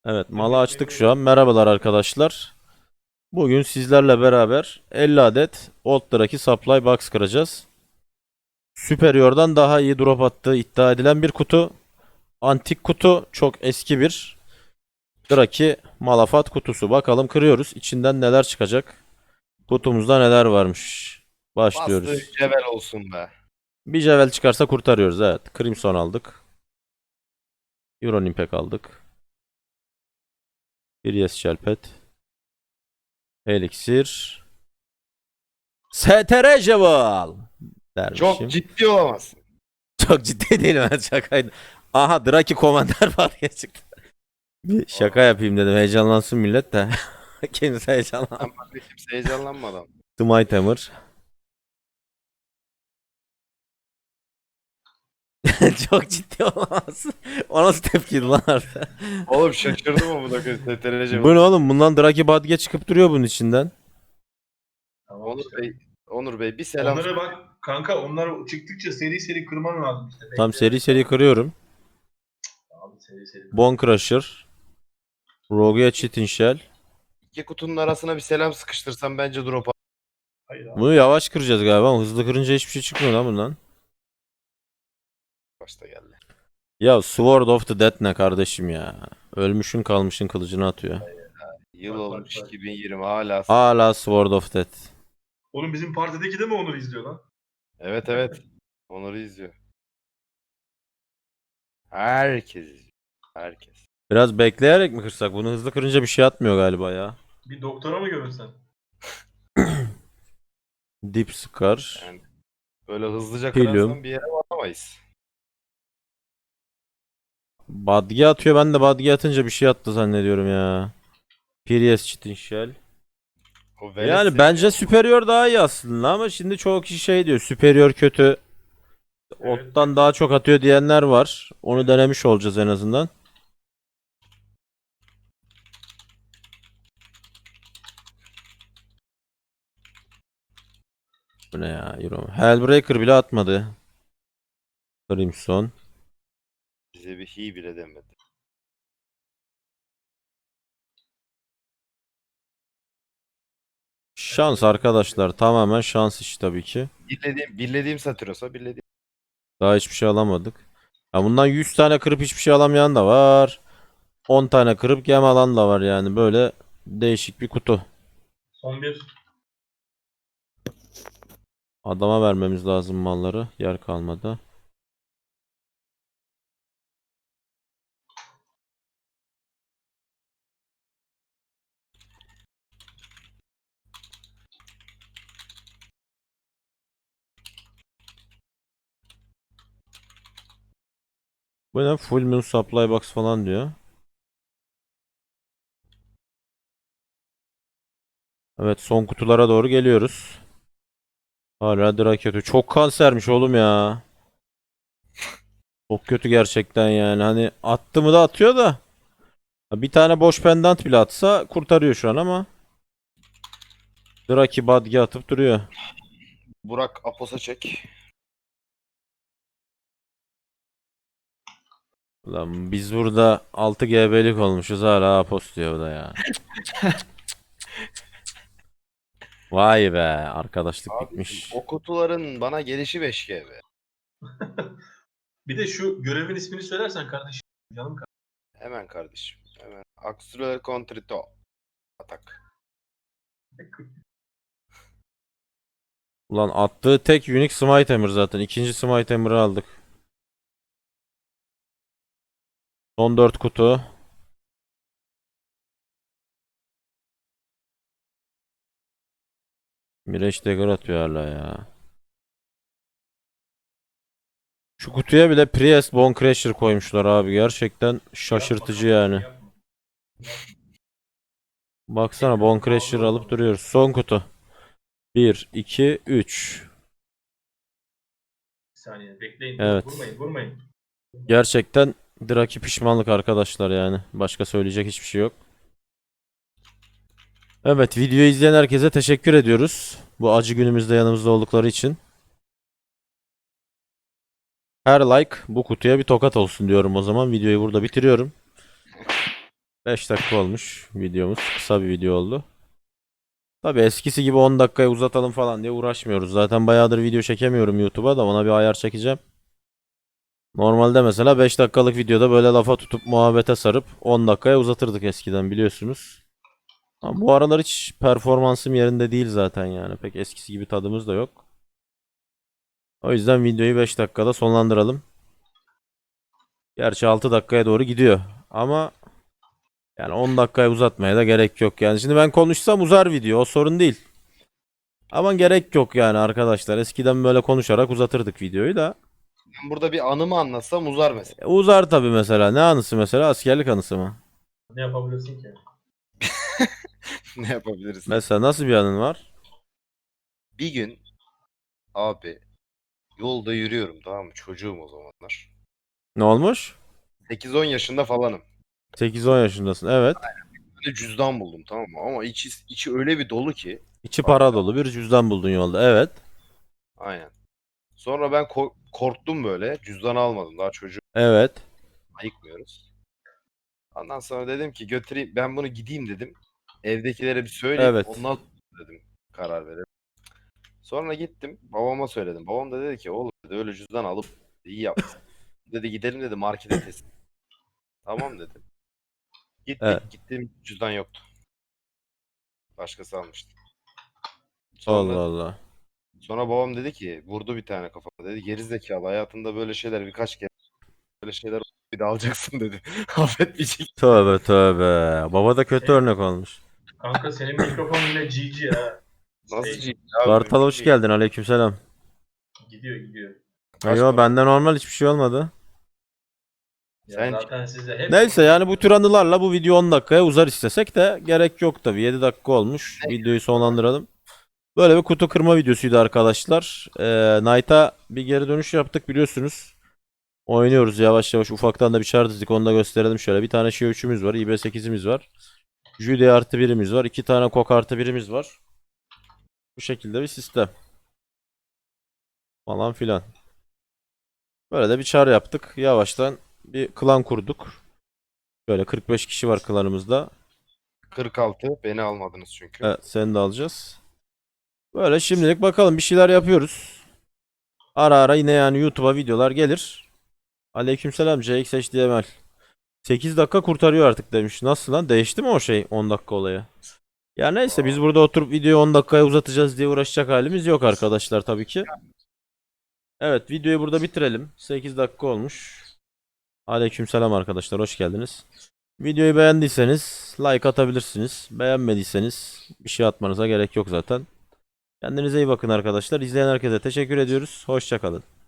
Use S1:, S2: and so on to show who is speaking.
S1: Evet, malı açtık şu an. Merhabalar arkadaşlar. Bugün sizlerle beraber 50 adet Old Draki Supply Box kıracağız. Superior'dan daha iyi drop attığı iddia edilen bir kutu. Antik kutu, çok eski bir Draki Malafat kutusu. Bakalım kırıyoruz. İçinden neler çıkacak? Kutumuzda neler varmış?
S2: Bastığın
S1: Başlıyoruz.
S2: cebel olsun be.
S1: Bir Javel çıkarsa kurtarıyoruz. Evet. Crimson aldık. Euron Impact aldık. Bir Yes Shelpet. Elixir. STR Jewel
S2: Çok
S1: dermişim.
S2: ciddi olamazsın.
S1: Çok ciddi değilim, ben şakaydı. Aha, Draki Commander var ya çıktı. Bir şaka
S2: Aa,
S1: yapayım dedim, heyecanlansın millet de. Kimse heyecanlan.
S2: sen başka kimse heyecanlanmadan.
S1: Smite Hammer. Çok ciddi olamaz. O nasıl tepkiydi lan harbi?
S2: Oğlum şaşırdım ama bu da STR
S1: Bu
S2: cebel.
S1: ne oğlum, bundan Draki Badge çıkıp duruyor bunun içinden.
S3: Tamam
S2: Onur
S3: işte.
S2: Bey, Onur Bey bir selam
S3: Onlara
S2: söyle.
S3: bak kanka, onlar çıktıkça seri seri kırman lazım işte.
S1: Tam seri
S3: Bekleyerek
S1: seri
S3: falan.
S1: kırıyorum.
S3: Abi seri seri kır.
S1: Bone Crusher. Rogue'ya Chitin Shell.
S2: İki kutunun arasına bir selam sıkıştırsam bence drop al.
S3: Hayır abi.
S1: Bunu yavaş kıracağız galiba ama hızlı kırınca hiçbir şey çıkmıyor lan bundan.
S2: Başta geldi.
S1: Ya Sword of the Dead ne kardeşim ya. Ölmüşün kalmışın kılıcını atıyor.
S2: Yıl
S3: Bak bak
S2: olmuş
S3: bak.
S2: 2020 hala.
S1: Hala Sword of Death.
S3: Oğlum bizim partideki de mi Onur izliyor lan?
S2: Evet evet. Onur'u izliyor. Herkes izliyor. Herkes.
S1: Biraz bekleyerek mi kırsak? Bunu hızlı kırınca bir şey atmıyor galiba ya.
S3: Bir doktora mı görünsen?
S1: Deep Scar.
S2: Yani böyle hızlıca
S1: Helium.
S2: kırarsan bir yere varamayız.
S1: Badge atıyor. Ben de Badge atınca bir şey attı zannediyorum ya. Prius Chitin Shell.
S2: O velet
S1: Yani
S2: seviyor.
S1: bence Superior daha iyi aslında ama şimdi çoğu kişi şey diyor. Superior kötü.
S3: Evet.
S1: Ottan daha çok atıyor diyenler var. Onu denemiş olacağız en azından. Bu ne ya? Euro. Hellbreaker bile atmadı. Crimson.
S2: Bize bir hi bile demedi.
S1: Şans arkadaşlar. Tamamen şans işi tabii ki.
S2: Bilediğim Satüros'a bilediğim.
S1: Daha hiçbir şey alamadık. Ya bundan 100 tane kırıp hiçbir şey alamayan da var. 10 tane kırıp gem alan da var yani. Böyle değişik bir kutu.
S3: Son bir.
S1: Adama vermemiz lazım malları. Yer kalmadı. Bu ne? Full Moon Supply Box falan diyor. Evet, son kutulara doğru geliyoruz. Hala Drake. Çok kansermiş oğlum ya. Çok kötü gerçekten yani. Hani attı mı da atıyor da. Bir tane boş pendant bile atsa kurtarıyor şu an ama. Draki Badge atıp duruyor.
S2: Burak Apos'a çek.
S1: Lan biz burada 6 GB'lik olmuşuz, hala Apos diyor bu da ya. Vay be, arkadaşlık
S2: Abicim
S1: bitmiş.
S2: o kutuların bana gelişi 5G be.
S3: Bir de şu görevin ismini söylersen kardeşim. Canım kardeşim.
S2: Hemen kardeşim. Hemen. Axtral Contrito. Atak.
S1: Ulan attığı tek unique Smite Hammer zaten. İkinci Smite Hammer'ı aldık. Son 4 kutu. Mirage Dagger atıyor hala ya. Şu kutuya bile Priest Bone Crusher koymuşlar abi. Gerçekten
S3: Yapma
S1: şaşırtıcı
S3: kardeşim,
S1: yani.
S3: yapma. Yapma.
S1: Baksana, Bone
S3: Ekranı
S1: Crusher
S3: bağlı
S1: alıp
S3: oğlum.
S1: duruyoruz. Son kutu. Bir, 2, 3.
S3: Bir saniye bekleyin. Dur,
S1: Evet.
S3: vurmayın vurmayın.
S1: Gerçekten Draki pişmanlık arkadaşlar yani. Başka söyleyecek hiçbir şey yok. Evet, videoyu izleyen herkese teşekkür ediyoruz. Bu acı günümüzde yanımızda oldukları için. Her like bu kutuya bir tokat olsun diyorum o zaman. Videoyu burada bitiriyorum. 5 dakika olmuş videomuz. Kısa bir video oldu. Tabii eskisi gibi 10 dakikaya uzatalım falan diye uğraşmıyoruz. Zaten bayağıdır video çekemiyorum YouTube'a da ona bir ayar çekeceğim. Normalde mesela 5 dakikalık videoda böyle lafa tutup muhabbete sarıp 10 dakikaya uzatırdık eskiden biliyorsunuz. Ama bu aralar hiç performansım yerinde değil zaten yani. Pek eskisi gibi tadımız da yok. O yüzden videoyu 5 dakikada sonlandıralım. Gerçi 6 dakikaya doğru gidiyor. Ama yani 10 dakikaya uzatmaya da gerek yok yani. Şimdi ben konuşsam uzar video, o sorun değil. Ama gerek yok yani arkadaşlar. Eskiden böyle konuşarak uzatırdık videoyu da.
S2: Ben burada bir anımı anlatsam uzar mesela.
S1: Uzar tabii mesela. Ne anısı mesela? Askerlik anısı mı?
S3: Ne yapabilirsin ki?
S2: Ne yapabiliriz?
S1: Mesela nasıl bir anın var?
S2: Bir gün abi yolda yürüyorum, tamam mı? Çocuğum o zamanlar.
S1: Ne olmuş?
S2: 8-10 yaşında falanım.
S1: 8-10 yaşındasın. Evet.
S2: Bir de cüzdan buldum, tamam mı? Ama içi öyle bir dolu ki.
S1: İçi
S2: Abi,
S1: para dolu bir cüzdan buldun yolda. Evet.
S2: aynen. Sonra ben korktum böyle. Cüzdanı almadım. Daha çocuğu
S1: Evet.
S2: ayıkmıyoruz. Ondan sonra dedim ki götüreyim. Ben bunu gideyim dedim. Evdekilere bir söyleyeyim.
S1: Evet.
S2: Ondan sonra dedim karar verelim. Sonra gittim. Babama söyledim. Babam da dedi ki oğlum dedi, öyle cüzdan alıp iyi yapmışsın. Dedi gidelim dedi markete teslim. Tamam dedim.
S1: Evet.
S2: Gittik. Gittiğim cüzdan yoktu. Başkası almıştı.
S1: Allah
S2: Sonra
S1: Allah.
S2: sonra babam dedi ki vurdu bir tane kafama dedi. Geri zekalı hayatında böyle şeyler birkaç kere böyle şeyler oldu, bir daha alacaksın dedi. Affetmeyecek.
S1: Tövbe tövbe. Baba da kötü
S3: Senin,
S1: örnek olmuş.
S3: kanka senin mikrofon yine GG ha.
S2: Nasıl
S3: Stage.
S2: şey abi
S1: Kartal
S2: mümkün
S1: hoş
S2: değil.
S1: geldin. Aleykümselam.
S3: Gidiyor gidiyor.
S2: Kaç
S1: Yo
S2: para?
S1: bende normal hiçbir şey olmadı.
S3: Ya
S2: Sen
S3: zaten sizde hep
S1: Neyse yani bu tür anılarla bu video 10 dakikaya uzar istesek de gerek yok tabii. 7 dakika olmuş. Videoyu sonlandıralım. Böyle bir kutu kırma videosuydu arkadaşlar. Knight'a bir geri dönüş yaptık biliyorsunuz. Oynuyoruz yavaş yavaş. Ufaktan da bir çar dizdik. Onu da gösterelim şöyle. Bir tane Şio 3'ümüz var. IB8'imiz var. Judy artı birimiz var. 2 tane Kok artı birimiz var. Bu şekilde bir sistem. Falan filan. Böyle de bir çar yaptık. Yavaştan bir klan kurduk. Böyle 45 kişi var klanımızda.
S2: 46 beni almadınız çünkü.
S1: Evet, seni de alacağız. Böyle şimdilik bakalım bir şeyler yapıyoruz. Ara ara yine yani YouTube'a videolar gelir. Aleykümselam CXHDML. 8 dakika kurtarıyor artık demiş. Nasıl lan? Değişti mi o şey 10 dakika olayı? Ya neyse biz burada oturup videoyu 10 dakikaya uzatacağız diye uğraşacak halimiz yok arkadaşlar tabii ki. Evet videoyu burada bitirelim. 8 dakika olmuş. Aleykümselam arkadaşlar hoş geldiniz. Videoyu beğendiyseniz like atabilirsiniz. Beğenmediyseniz bir şey atmanıza gerek yok zaten. Kendinize iyi bakın arkadaşlar. İzleyen herkese teşekkür ediyoruz. Hoşça kalın.